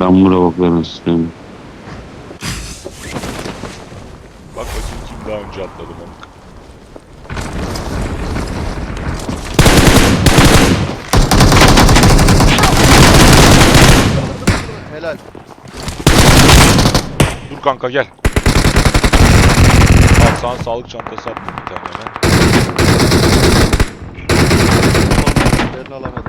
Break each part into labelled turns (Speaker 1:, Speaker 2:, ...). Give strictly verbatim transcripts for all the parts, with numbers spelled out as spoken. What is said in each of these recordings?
Speaker 1: Çamura bakların sistemi.
Speaker 2: Bak bakayım kim daha önce atladı Mamuk.
Speaker 3: Helal.
Speaker 2: Dur kanka gel. Al sana sağlık çantası attım bir tane hemen.
Speaker 3: Yerini alamadım.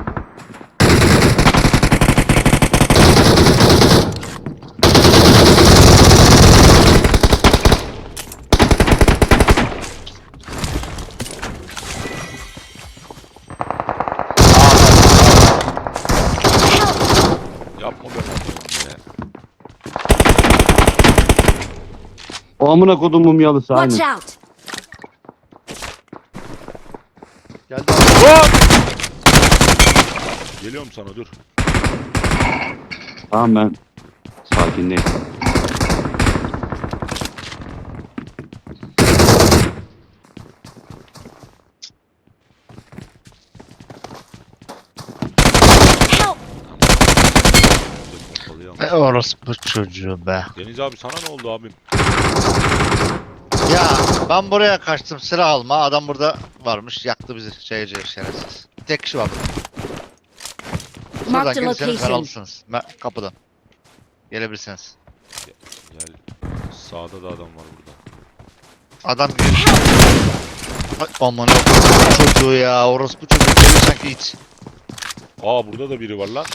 Speaker 2: Yapma be Mamuk ya.
Speaker 1: O amına kodumun yalısı
Speaker 4: Watch
Speaker 1: aynı.
Speaker 4: out!
Speaker 3: Geldi abi.
Speaker 2: Hop! Geliyorum sana dur.
Speaker 1: Tamam ben sakindeyim.
Speaker 4: Help!
Speaker 2: Pompalıyım.
Speaker 5: E orospu çocuğu be.
Speaker 2: Deniz abi sana ne oldu abim?
Speaker 5: Ya ben buraya kaçtım silah alma. Adam burada varmış. Yaktı bizi şeyci şerefsiz. Tek kişi var burada. Şuradan
Speaker 4: Marked a
Speaker 5: gelirseniz ben
Speaker 4: location.
Speaker 5: alırsınız. Me- Kapıdan. Gelebilirsiniz.
Speaker 2: Gel. Sağda da adam var burada.
Speaker 5: Adam gel. Ay aman yok. Çocuğu ya. Orospu çocuğu. Geliyor sanki hiç.
Speaker 2: Aa burada da biri var lan.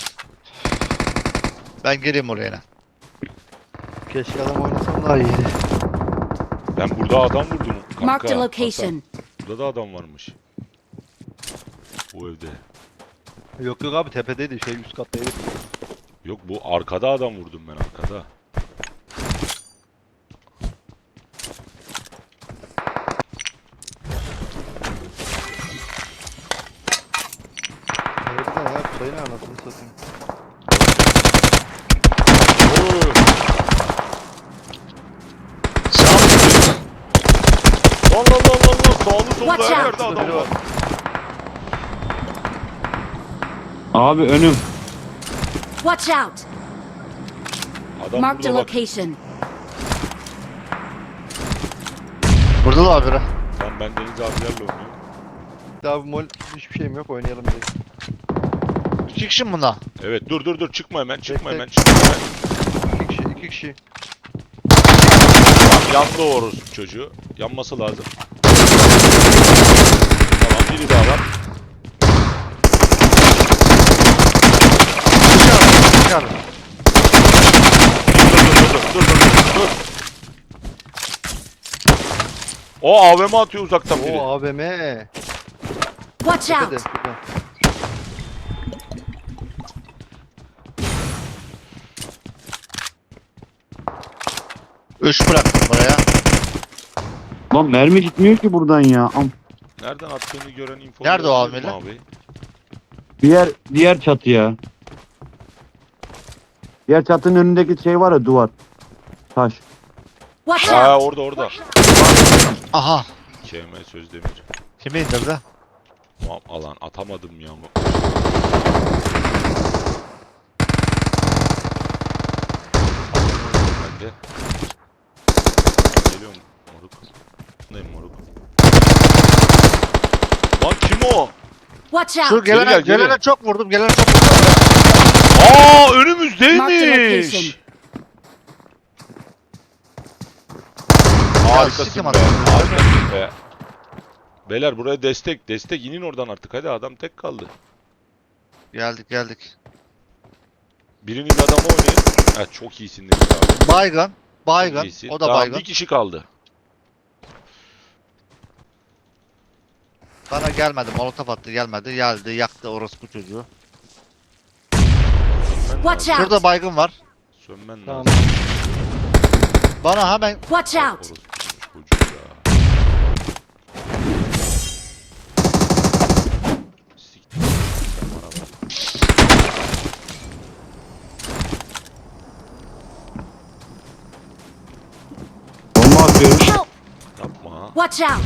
Speaker 5: Ben geleyim oraya. yine.
Speaker 3: Keşke adam oynasam daha iyiydi.
Speaker 2: Ben burada adam vurdum kanka.
Speaker 4: Marked a
Speaker 2: Hasan,
Speaker 4: location.
Speaker 2: burada da adam varmış. Bu evde.
Speaker 3: Yok yok abi tepedeydi şey üst kattaydı.
Speaker 2: Yok bu arkada adam vurdum ben arkada.
Speaker 3: Harbiden ya sayın anasını satayım.
Speaker 2: Oy!
Speaker 5: Sağ ol.
Speaker 2: Allah Allah Allah Allah sağlı solda
Speaker 4: Watch
Speaker 2: her
Speaker 4: out.
Speaker 2: yerde adam var.
Speaker 1: Abi önüm.
Speaker 4: Watch out!
Speaker 2: Adam
Speaker 4: Marked a
Speaker 2: burada bak.
Speaker 4: location.
Speaker 5: Burada da var biri.
Speaker 2: Tamam ben Deniz abilerle oynuyorum.
Speaker 3: Abi mol hiçbir şeyim yok oynayalım direkt.
Speaker 5: İki kişi mi bunda?
Speaker 2: Evet dur dur dur çıkma hemen çıkma
Speaker 3: Tek
Speaker 2: hemen
Speaker 3: tek.
Speaker 2: çıkma hemen.
Speaker 3: İki kişi iki kişi.
Speaker 2: Tamam yandı o orospu çocuğu. Yanması lazım. Tamam biri daha var.
Speaker 5: Dışarı. Dışarı.
Speaker 2: Dur dur dur dur dur dur dur. O A V M atıyor uzaktan biri.
Speaker 3: Oo A V M.
Speaker 4: Watch
Speaker 3: Tepede.
Speaker 4: out!
Speaker 3: şurada.
Speaker 5: Üç bıraktım buraya.
Speaker 1: Lan mermi gitmiyor ki buradan ya. Am.
Speaker 2: Nereden attığını gören info.
Speaker 5: Nerede o
Speaker 2: verebilir mi
Speaker 5: amele?
Speaker 2: abi?
Speaker 1: Diğer diğer çatı ya. Diğer çatının önündeki şey var ya duvar. Taş.
Speaker 4: Watch
Speaker 2: Ha
Speaker 4: out!
Speaker 2: orada orada.
Speaker 5: Aha.
Speaker 2: K M Sözdemir.
Speaker 5: Kimi indirdi?
Speaker 2: Tamam alan atamadım ya. Ben de. Geliyorum moruk. Neyim moruk? Lan kim o?
Speaker 4: Watch
Speaker 5: Şu
Speaker 4: out!
Speaker 5: gelene,
Speaker 2: gel, geri.
Speaker 5: gelene çok vurdum. Gelene çok vurdum.
Speaker 2: Aa
Speaker 4: Marked a
Speaker 2: önümüzdeymiş.
Speaker 4: location.
Speaker 2: Harikasın
Speaker 5: sikim
Speaker 2: be.
Speaker 5: adam.
Speaker 2: Harikasın be. Beyler buraya destek. Destek inin oradan artık. Hadi adam tek kaldı.
Speaker 5: Geldik geldik.
Speaker 2: Biriniz adamı oynayın. Ha çok iyisin Deniz abi.
Speaker 5: Baygın.
Speaker 2: Çok
Speaker 5: Baygın.
Speaker 2: iyisin.
Speaker 5: O da
Speaker 2: Tamam,
Speaker 5: baygın.
Speaker 2: bir kişi kaldı.
Speaker 5: Bana gelmedi. Molotof attı gelmedi. Geldi yaktı orospu çocuğu.
Speaker 2: Sönmen
Speaker 4: Watch
Speaker 2: lazım.
Speaker 4: out!
Speaker 5: Şurada baygın var.
Speaker 2: Sönmen
Speaker 3: Tamam.
Speaker 2: lazım.
Speaker 5: Bana hemen
Speaker 4: Watch out!
Speaker 2: Orospu çocuğu ya. Siktir. Sen bana bak.
Speaker 1: Bomba atıyorum.
Speaker 4: Help!
Speaker 2: Yapma.
Speaker 4: Watch out!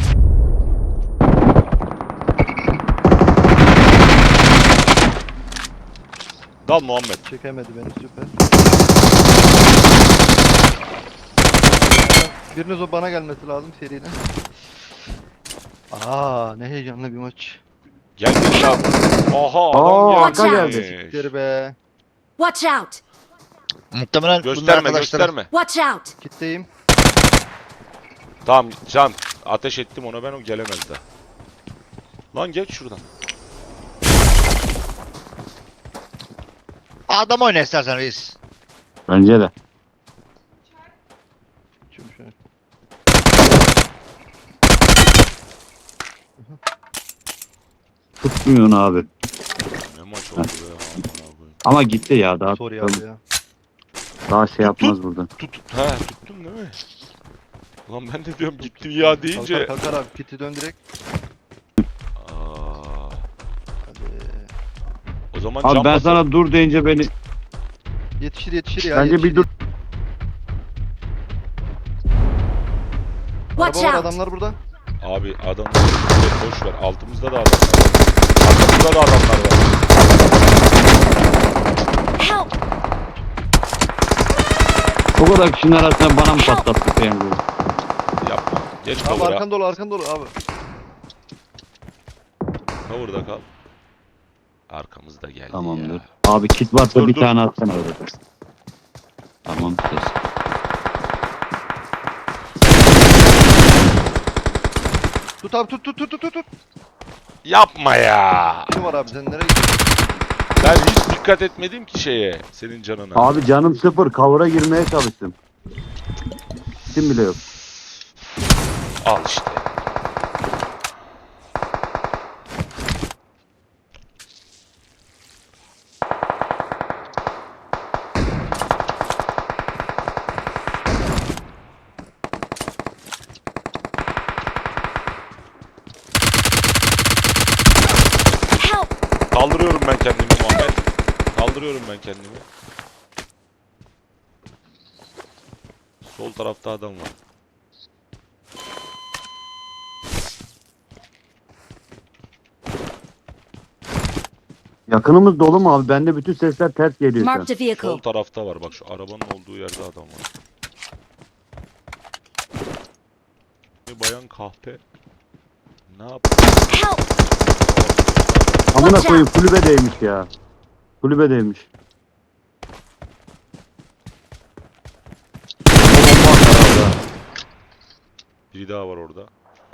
Speaker 2: Dal Muhammed.
Speaker 3: Çekemedi beni süper. Biriniz o bana gelmesi lazım seriyle. Aa ne heyecanlı bir maç.
Speaker 2: Gelmiş abi. Aha
Speaker 1: Aa,
Speaker 2: adam
Speaker 4: arka
Speaker 2: gelmiş.
Speaker 1: geldi.
Speaker 3: Siktir be.
Speaker 4: Watch out!
Speaker 5: Muhtemelen bunun
Speaker 2: Gösterme
Speaker 5: arkadaşları-
Speaker 2: gösterme.
Speaker 4: Watch out!
Speaker 3: Kitleyim.
Speaker 2: Tamam can ateş ettim ona ben o gelemez daha. Lan geç şuradan.
Speaker 5: Adam oyna istersen reis.
Speaker 1: Bence de.
Speaker 3: Şimdi şöyle.
Speaker 1: Tutmuyorsun abi.
Speaker 2: Ne maç oldu be amına koyayım.
Speaker 1: Ama gitti ya daha.
Speaker 3: Sorry abi ya.
Speaker 1: Daha şey yapmaz burada.
Speaker 2: Tut tut. Ha tuttun değil mi? Lan ben de diyorum gitti ya deyince.
Speaker 3: Kalkar kalkar abi kiti dön direkt.
Speaker 2: Aa,
Speaker 3: Hadi.
Speaker 2: o zaman
Speaker 1: Abi
Speaker 2: can
Speaker 1: ben
Speaker 2: basar.
Speaker 1: sana dur deyince beni
Speaker 3: Yetişir yetişir ya.
Speaker 1: bence
Speaker 3: yetişir.
Speaker 1: bir dur.
Speaker 4: Watch
Speaker 3: Araba var
Speaker 4: out!
Speaker 3: adamlar burada.
Speaker 2: Abi adam boş ver. Altımızda da adamlar var. Arkamızda da adamlar var.
Speaker 4: Help!
Speaker 1: O kadar kişinin arasında bana mı patlattı peyniri?
Speaker 2: Yapma. Geç
Speaker 3: Abi
Speaker 2: kavura.
Speaker 3: arkan dolu arkan dolu abi.
Speaker 2: Kavurda kal. Arkamızda geldi
Speaker 1: Tamamdır.
Speaker 2: ya.
Speaker 1: Abi kit varsa
Speaker 2: Dur,
Speaker 1: bir
Speaker 2: dur.
Speaker 1: tane atsana öyle. Tamam ses.
Speaker 3: Tut abi tut tut tut tut tut. tut.
Speaker 2: Yapma ya.
Speaker 3: Kim var abi sen nereye gidiyorsun?
Speaker 2: Ben hiç dikkat etmedim ki şeye. Senin canına.
Speaker 1: Abi canım sıfır. Kavura girmeye çalıştım. Kim bile yok.
Speaker 2: Al işte.
Speaker 4: Help!
Speaker 2: Kaldırıyorum ben kendimi Muhammed. Kaldırıyorum ben kendimi. Sol tarafta adam var.
Speaker 1: Yakınımız dolu mu abi? Bende bütün sesler ters geliyor şu an.
Speaker 4: Marked a
Speaker 2: Sol
Speaker 4: vehicle.
Speaker 2: tarafta var. Bak şu arabanın olduğu yerde adam var. Bir bayan kahpe. Ne yap?
Speaker 4: Help!
Speaker 1: Amına
Speaker 4: Watch
Speaker 1: koyayım kulübedeymiş ya. Kulübedeymiş. Bomba atar abi ha.
Speaker 2: Biri daha var orada.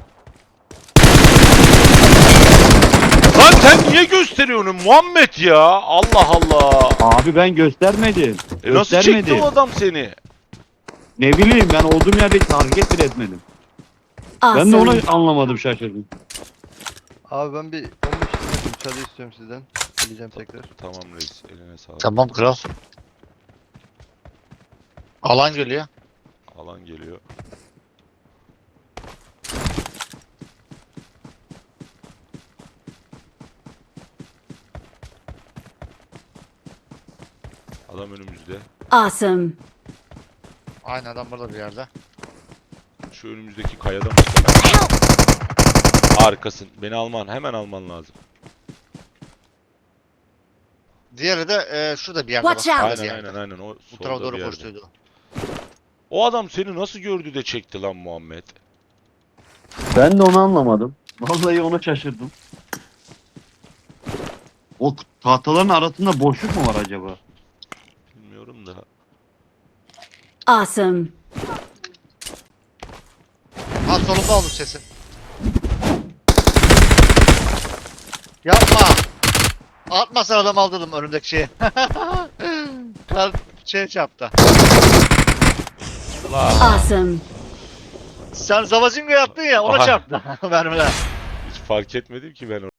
Speaker 2: Lan sen niye gösteriyorsun Muhammed ya? Allah Allah.
Speaker 1: Abi ben göstermedim.
Speaker 2: E nasıl
Speaker 1: Göstermedim.
Speaker 2: çekti o adam seni?
Speaker 1: Ne bileyim ben olduğum yerde hiç hareket bile etmedim. Ben de onu
Speaker 4: Awesome!
Speaker 1: anlamadım, şaşırdım.
Speaker 3: Abi ben bir on beş dakika müsaade istiyorum sizden. Geleceğim tekrar.
Speaker 2: Tamam reis eline sağlık.
Speaker 5: Tamam kral. Alan geliyor.
Speaker 2: Alan geliyor. Adam önümüzde.
Speaker 4: Awesome!
Speaker 5: Aynı adam burada bir yerde.
Speaker 2: Şu önümüzdeki kayada mı?
Speaker 4: Help!
Speaker 2: Harikasın. Beni alman. Hemen alman lazım.
Speaker 5: Diğeri de e, şurada bir yerde.
Speaker 4: Watch
Speaker 5: bak.
Speaker 4: out.
Speaker 5: Şurada bir
Speaker 2: Aynen
Speaker 5: yerde.
Speaker 2: aynen aynen. O
Speaker 5: Bu tarafa
Speaker 2: solda bir
Speaker 5: doğru
Speaker 2: yerde.
Speaker 5: koştuydu.
Speaker 2: O adam seni nasıl gördü de çekti lan Muhammed?
Speaker 1: Ben de onu anlamadım. Vallahi ona şaşırdım. O tahtaların arasında boşluk mu var acaba?
Speaker 2: Bilmiyorum da.
Speaker 4: Awesome!
Speaker 5: Ha solunda olmuş sesi. Yapma. Atmasan adam aldırdım önümdeki şeyi. Kalp şey çarptı.
Speaker 4: Awesome!
Speaker 5: Sen Zavazingo'ya attın ya ona
Speaker 2: Aha.
Speaker 5: çarptı. Mermiler.
Speaker 2: Hiç fark etmedim ki ben onu.